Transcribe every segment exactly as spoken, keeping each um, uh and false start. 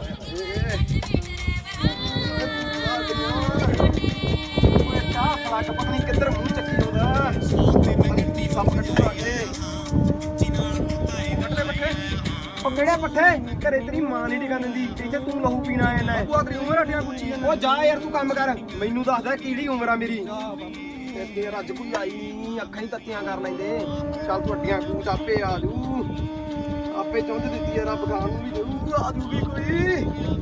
ਪਤਾ ਨਹੀਂ ਕਿੱਧਰ ਮੂੰਹ ਚੱਕੀ ਆਉਂਦਾ ਸੱਪ ਕੱਟੂ ਆ ਗਏ ਉਹ ਕਿਹੜੇ ਪੱਠੇ ਘਰੇ ਤੇਰੀ ਮਾਂ ਨਹੀਂ ਟਿਕਾ ਦਿੰਦੀ ਇੱਥੇ ਤੂੰ ਲਹੂ ਪੀਣ ਆਇਆ ਲੈ ਉਹ ਤੇਰੀ ਉਮਰ ਹਟਿਆ ਪੁੱਛੀ ਜਾਂਦਾ ਉਹ ਜਾ ਯਾਰ ਤੂੰ ਕੰਮ ਕਰ ਮੈਨੂੰ ਦੱਸਦਾ ਕਿਹੜੀ ਉਮਰ ਆ ਮੇਰੀ ਤੇ ਰੱਜ ਕੋਈ ਆਈ ਨਹੀਂ ਅੱਖਾਂ ਹੀ ਤੱਤੀਆਂ ਕਰ ਲੈਂਦੇ ਚੱਲ ਤੂੰ ਅੱਡੀਆਂ ਕੂਚ ਆਪੇ ਆ ਜੂ ਆਪੇ ਚੁੰਝ ਦਿੱਤੀ ਆ ਰੱਬ ਗਾਂ ਨੂੰ ਵੀ ਜ਼ਰੂਰ ਆ ਜੂਗੀ ਕੋਈ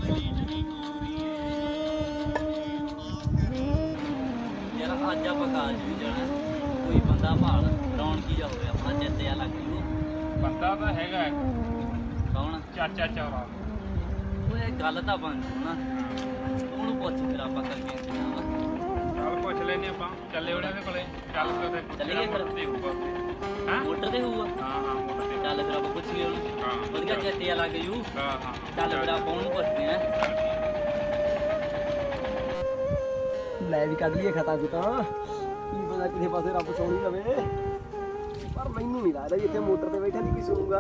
ਅੱਜ ਆਪਾਂ ਕਾਲਜ ਵੀ ਜਾਣਾ ਕੋਈ ਬੰਦਾ ਭਾਲ ਰੌਣਕੀ ਜਾ ਹੋਵੇ ਆਪਣਾ ਚਿੱਤੇ ਆ ਲੱਗ ਜੂ ਬੰਦਾ ਤਾਂ ਹੈਗਾ ਕੌਣ ਚਾਚਾ ਚੌਰਾ ਉਹ ਇਹ ਗੱਲ ਤਾਂ ਬਣ ਜੂ ਨਾ ਉਹਨੂੰ ਪੁੱਛ ਫਿਰ ਆਪਾਂ ਕਰਕੇ ਚੱਲ ਪੁੱਛ ਲੈਨੇ ਆਪਾਂ ਚੱਲੇ ਉਹਦੇ ਕੋਲੇ ਚੱਲ ਫਿਰ ਚੱਲੀਏ ਫਿਰ ਦੇਖੂਗਾ ਹਾਂ ਮੋਟਰ ਤੇ ਹੋਊਗਾ ਹਾਂ ਹਾਂ ਮੋਟਰ ਤੇ ਚੱਲ ਫਿਰ ਆਪਾਂ ਪੁੱਛੀਏ ਉਹਨੂੰ ਹਾਂ ਵਧੀਆ ਚਿੱਤੇ ਆ ਲੱਗ ਜੂ ਹਾਂ ਹਾਂ ਚੱਲ ਫਿਰ ਆਪਾਂ ਉਹਨੂੰ ਪੁੱਛਦੇ ਆ ਲੈ ਵੀ ਕੱਢ ਲਈਏ ਖਤਾ ਖੁਤਾ ਕੀ ਪਤਾ ਕਿਸੇ ਪਾਸੇ ਰੱਬ ਸੋਣੀ ਲਵੇ ਪਰ ਮੈਨੂੰ ਨਹੀਂ ਲੱਗਦਾ ਵੀ ਇੱਥੇ ਮੋਟਰ ਤੇ ਬੈਠਾ ਨਹੀਂ ਕੀ ਸੁਣੂਗਾ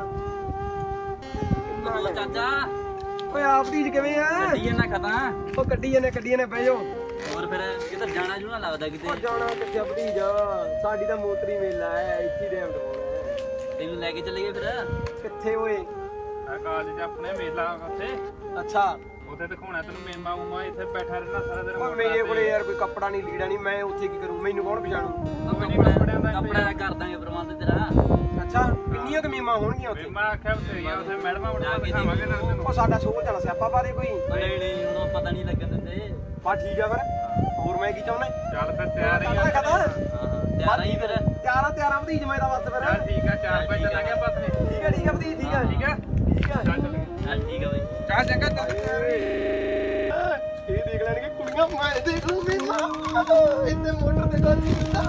ਬੋਲ ਚਾਚਾ ਓਏ ਆਪ ਦੀ ਕਿਵੇਂ ਆ ਗੱਡੀਏ ਨਾ ਖਤਾ ਉਹ ਕੱਢੀ ਜਾਂਦੇ ਕੱਢੀ ਜਾਂਦੇ ਬਹਿ ਜਾਓ ਹੋਰ ਫਿਰ ਕਿਤੇ ਜਾਣਾ ਜੂਣਾ ਲੱਗਦਾ ਉਹ ਕਿਤੇ ਜਾਣਾ ਕਿੱਥੇ ਭਤੀਜ ਸਾਡੀ ਤਾਂ ਮੋਟਰੀ ਮੇਲਾ ਹੈ ਇੱਥੇ ਦੇ ਅੰਦਰ ਤੈਨੂੰ ਲੈ ਕੇ ਚੱਲੀਏ ਫਿਰ ਕਿੱਥੇ ਓਏ ਆ ਕਾਲਜ 'ਚ ਆਪਣੇ ਮੇਲਾ ਉੱਥੇ ਅੱਛਾ ਉੱਥੇ ਦਿਖਾਉਣਾ ਤੈਨੂੰ ਮੇਮਾ ਉਮਾ ਇੱਥੇ ਬੈਠਾ ਰਹਿਣਾ ਸਾਰਾ ਦਿਨ ਪਰ ਮੇਰੇ ਕੋਲੇ ਯਾਰ ਕੋਈ ਕੱਪੜਾ ਨਹੀਂ ਲੀੜਾ ਨਹੀਂ ਮੈਂ ਉੱਥੇ ਕੀ ਕਰੂੰ ਮੈਨੂੰ ਕੌਣ ਪਛਾਣੂ ਕੱਪੜਿਆਂ ਦਾ ਕੱਪੜਿਆਂ ਦਾ ਕਰ ਦਾਂਗੇ ਪ੍ਰਬੰਧ ਤੇਰਾ ਅੱਛਾ ਕਿੰਨੀਆਂ ਕਮੀਮਾਂ ਹੋਣਗੀਆਂ ਉੱਥੇ ਮੇਮਾ ਆਖਿਆ ਬਥੇਰੀਆਂ ਉੱਥੇ ਮੈਡਮਾਂ ਬਣਾ ਦਿਖਾਵਾਂਗੇ ਨਾਲ ਤੈਨੂੰ ਉਹ ਸਾਡਾ ਸ਼ੋਰ ਜਾਣਾ ਸਿਆਪਾ ਪਾ ਦੇ ਕੋਈ ਨਹੀਂ ਨਹੀਂ ਉਹਨੂੰ ਪਤਾ ਨਹੀਂ ਲੱਗਣ ਦਿੰਦੇ ਬਾ ਠੀਕ ਆ ਫਿਰ ਹੋਰ ਮੈਂ ਕੀ ਚਾਹੁੰਦਾ ਚੱਲ ਫਿਰ ਤਿਆਰ ਹੀ ਹਾਂ ਆ ਹਾਂ ਹਾਂ ਤਿਆਰ ਹੀ ਫਿਰ ਤਿਆਰਾ ਤਿਆਰਾ ਭਤੀਜ ਮੈਂ ਤਾਂ ਬਸ ਫਿਰ ਚੱਲ ਠੀਕ ਆ ਚਾਰ ਵਜੇ ਚੱਲਾਂਗੇ ਬਸ ਨੇ ਠੀਕ ਆ ਠੀਕ ਆ ਭਤੀਜ ਠੀਕ ਆ ਠੀਕ ਆ ਠੀਕ ਆ ਚੱਲ ਚੱਲ ਚੱਲ ਠੀਕ ਆ ਬਈ ਚਾਹ ਚੰਗਾ ਚੱਲ ਇਹ ਦੇਖ ਲੈਣਗੇ ਕੁੜੀਆਂ ਮੈਂ ਦੇਖ ਲੂ ਮੇਮਾ ਇੱਥੇ ਮੋਟਰ ਤੇ ਗੱਲ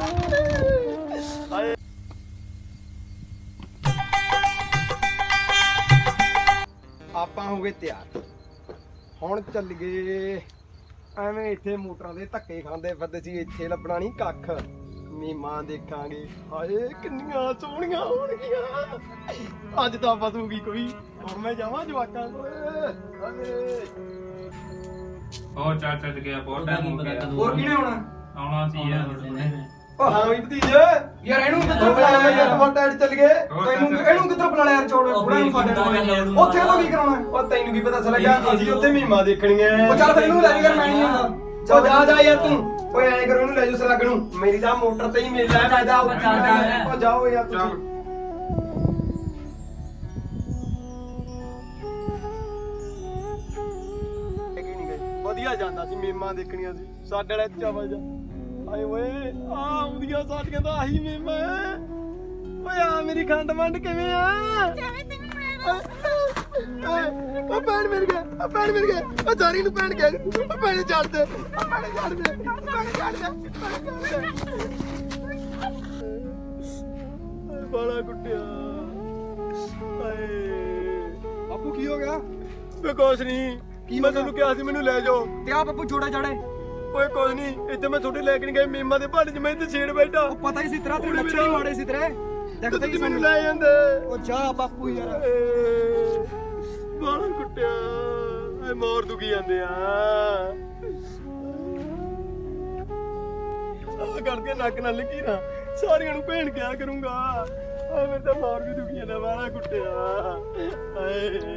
ਹਾਏ ਆਪਾਂ ਹੋ ਗਏ ਤਿਆਰ ਹੁਣ ਚੱਲ ਗਏ ਐਵੇਂ ਇੱਥੇ ਮੋਟਰਾਂ ਦੇ ਧੱਕੇ ਖਾਂਦੇ ਫਿਰਦੇ ਸੀ ਇੱਥੇ ਲੱਭਣਾ ਨਹੀਂ ਕੱਖ ਮੀਮਾਂ ਦੇਖਾਂਗੇ ਹਾਏ ਕਿੰਨੀਆਂ ਸੋਹਣੀਆਂ ਹੋਣਗੀਆਂ ਅੱਜ ਤਾਂ ਫਸੂਗੀ ਕੋਈ ਹੁਣ ਮੈਂ ਜਾਵਾਂ ਜਵਾਕਾਂ ਕੋਲ ਹਾਏ ਹੋਰ ਚਾਰ ਚੱਲ ਗਿਆ ਬਹੁਤ ਟਾਈਮ ਹੋ ਗਿਆ ਹੋਰ ਕਿਹਨੇ ਆਉਣਾ ਆਉਣਾ ਸੀ ਯਾਰ ਓ ਹਾਂ ਵੀ ਭਤੀਜ ਯਾਰ ਇਹਨੂੰ ਕਿੱਥੋਂ ਬੁਲਾਇਆ ਯਾਰ ਮੋਟਾ ਐਡ ਚੱਲ ਗਏ ਤੈਨੂੰ ਇਹਨੂੰ ਕਿੱਥੋਂ ਬੁਲਾ ਲਿਆ ਯਾਰ ਚੋੜ ਬੁੜਾ ਨੂੰ ਸਾਡੇ ਨਾਲ ਉੱਥੇ ਤੋਂ ਕੀ ਕਰਾਉਣਾ ਉਹ ਤੈਨੂੰ ਕੀ ਪਤਾ ਚੱਲ ਗਿਆ ਅਸੀਂ ਉੱਥੇ ਮੀਮਾ ਦੇਖਣੀਆਂ ਉਹ ਚੱਲ ਫਿਰ ਇਹਨੂੰ ਲੈ ਜਾ ਮੈਂ ਨਹੀਂ ਆਉਂਦਾ ਚੱਲ ਜਾ ਜਾ ਯਾਰ ਤੂੰ ਓਏ ਐਂ ਕਰੋ ਇਹਨੂੰ ਲੈ ਜਾ ਸਲੱਗ ਨੂੰ ਮੇਰੀ ਤਾਂ ਮੋਟਰ ਤੇ ਹੀ ਮੇਲਾ ਹੈ ਜਾ ਉਹ ਜਾਓ ਯਾਰ ਤੁਸੀਂ ਵਧੀਆ ਜਾਂਦਾ ਸੀ ਮੀਮਾਂ ਦੇਖਣੀਆਂ ਸੀ ਸਾਡੇ ਵਾਲੇ ਚਾਵਲ ਜਾ ਆਏ ਓਏ ਆ ਆਉਂਦੀਆਂ ਸਾਡੀਆਂ ਤਾਂ ਆਹੀ ਮੀਮਾਂ ਓਏ ਆ ਮੇਰੀ ਖੰਡ ਮੰਡ ਕਿਵੇਂ ਆ ਉਹ ਪੈਣ ਮਿਲ ਗਿਆ ਉਹ ਪੈਣ ਮਿਲ ਗਿਆ ਉਹ ਜਾਰੀ ਨੂੰ ਪੈਣ ਗਿਆ ਉਹ ਪੈਣ ਛੱਡ ਦੇ ਉਹ ਪੈਣ ਛੱਡ ਦੇ ਪੈਣ ਛੱਡ ਦੇ ਬਾਲਾ ਕੁੱਟਿਆ ਹਾਏ ਬਾਪੂ ਕੀ ਹੋ ਗਿਆ ਵੇ ਕੁਛ ਨਹੀਂ ਕੀ ਮੈਂ ਤੈਨੂੰ ਕਿਹਾ ਸੀ ਮੈਨੂੰ ਲੈ ਜਾਓ ਤੇ ਆ ਬਾਪੂ ਜੋੜਾ ਜੜੇ ਓਏ ਕੁਛ ਨਹੀਂ ਇੱਥੇ ਮੈਂ ਤੁਹਾਡੇ ਲੈ ਕੇ ਨਹੀਂ ਗਏ ਮੀਮਾਂ ਦੇ ਭਾਂਡੇ 'ਚ ਮੈਂ ਇੱਥੇ ਛੇੜ ਬੈਠਾ ਉਹ ਪਤਾ ਹੀ ਸੀ ਤੇਰਾ ਤੇ ਲੱਛਣ ਹੀ ਮਾੜੇ ਸੀ ਤੇਰੇ ਦੇਖਦੇ ਹੀ ਮੈਨੂੰ ਲੈ ਜਾਂਦੇ ਉਹ ਜਾ ਬਾਪੂ ਯਾਰ ਬਾਲਾ ਕੁੱਟਿਆ ਐ ਮੋਰ ਦੁਖੀ ਜਾਂਦੇ ਆ ਆ ਕਰਕੇ ਨੱਕ ਨਾਲ ਲਿਖੀ ਨਾ ਸਾਰਿਆਂ ਨੂੰ ਭੇਣ ਕਿਆ ਕਰੂੰਗਾ ਆ ਮੇਰੇ ਤਾਂ ਮਾਰ ਵੀ ਦੁਖੀ ਜਾਂਦਾ ਬਾਲਾ ਕੁੱਟਿਆ ਹਾਏ